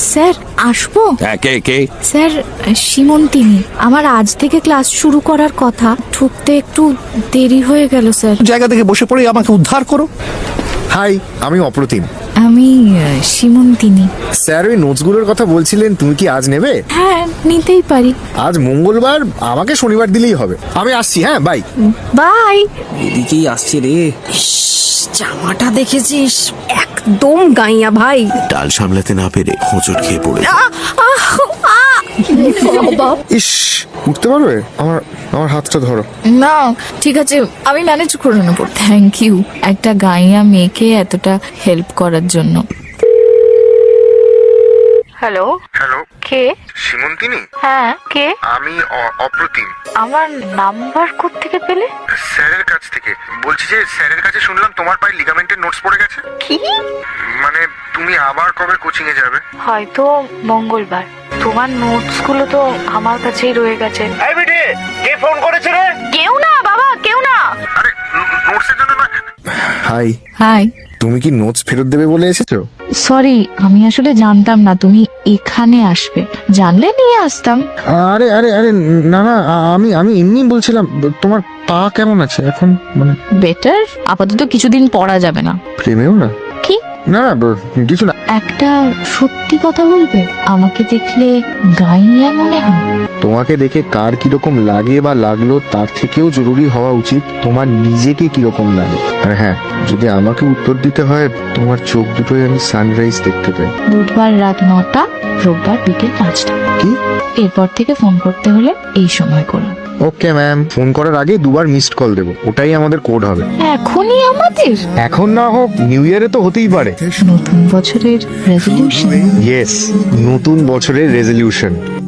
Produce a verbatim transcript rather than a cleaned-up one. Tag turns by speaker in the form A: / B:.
A: Sir আসবো?
B: হ্যাঁ, কে কে
A: sir Simantini. আমার আজ থেকে ক্লাস শুরু করার কথা, ঢুকতে একটু দেরি হয়ে গেল স্যার।
B: জায়গা থেকে বসে পড়ে আমাকে উদ্ধার করো।
C: হাই, আমি অপ্রতিম।
A: আমি আহ, সীমন্তিনী।
C: স্যার ওই নোটসগুলোর কথা বলছিলেন, তুমি কি আজ নেবে?
A: হ্যাঁ, নিতেই পারি।
C: আজ মঙ্গলবার, আমাকে শনিবার দিলেই হবে। আমি আসছি, হ্যাঁ, বাই।
A: বাই।
D: এদিকেই আসছে রে।
E: জামাটা দেখেছিস? একদম গাইয়া ভাই।
B: ডাল সামলাতে না পেরে হোঁচট খেয়ে পড়ে
C: ইস, উঠতে পারবে? আমার আমার হাতটা ধরো।
A: না ঠিক আছে, আমি ম্যানেজ করে নেবো। থ্যাংক ইউ একটা গাইয়া মেয়েকে এতটা হেল্প করার জন্য। হ্যালো
C: হ্যালো,
A: কে?
C: সীমন্তিনী?
A: হ্যাঁ কে?
C: আমি অপ্রতিম।
A: আমার নাম্বার কোত্থেকে পেলে?
C: স্যারের কাছ থেকে বলছি যে, স্যারের কাছে শুনলাম তোমার পায়ে লিগামেন্টের নোটস পড়ে গেছে।
A: কি?
C: মানে তুমি আবার কবে কোচিং এ যাবে?
A: হয়তো মঙ্গলবার। তোমার নোটস গুলো তো আমার কাছেই রয়ে গেছে।
C: এই বেটে, কে ফোন করেছে রে?
A: কেউ না বাবা, কেউ না।
C: আরে নোটসের জন্য নয়। Hi,
A: hi.
C: তুমি কি নোটস ফেরত দেবে বলে এসেছো?
A: সরি, আমি আসলে জানতাম না তুমি এখানে আসবে। জানলে নিয়ে আসতাম।
C: আরে আরে আরে না না, আমি আমি এমনি বলছিলাম, তোমার পা কেমন আছে এখন? মানে
A: বেটার। আপাতত কিছুদিন পড়া যাবে না।
C: প্রেমেও না?
A: কি?
C: না না, কিছু না।
A: একটা সত্যি কথা বলবে? আমাকে দেখলে গাইয়া মনে হয়?
C: তোমাকে দেখে কার কিরকম লাগে বা লাগলো তার থেকেও জরুরি হওয়া উচিত তোমার নিজেকে কিরকম লাগে। আর হ্যাঁ, যদি আমাকে উত্তর দিতে হয়, তোমার চোখ দুটোই আমি সানরাইজ দেখতে পাই।
A: বুধবার রাত নটা, রোববার বিকেল পাঁচটা।
C: কি?
A: এরপর থেকে ফোন করতে হলে এই সময় করুন।
C: ওকে ম্যাম, ফোন করার আগে দুবার মিসড কল দেবো, ওটাই আমাদের কোড হবে।
A: এখনই আমাদের?
C: এখন না হোক, নিউ ইয়ারে তো হতেই পারে।
A: নতুন বছরের রেজলিউশন।
C: ইয়েস, নতুন বছরের রেজলিউশন।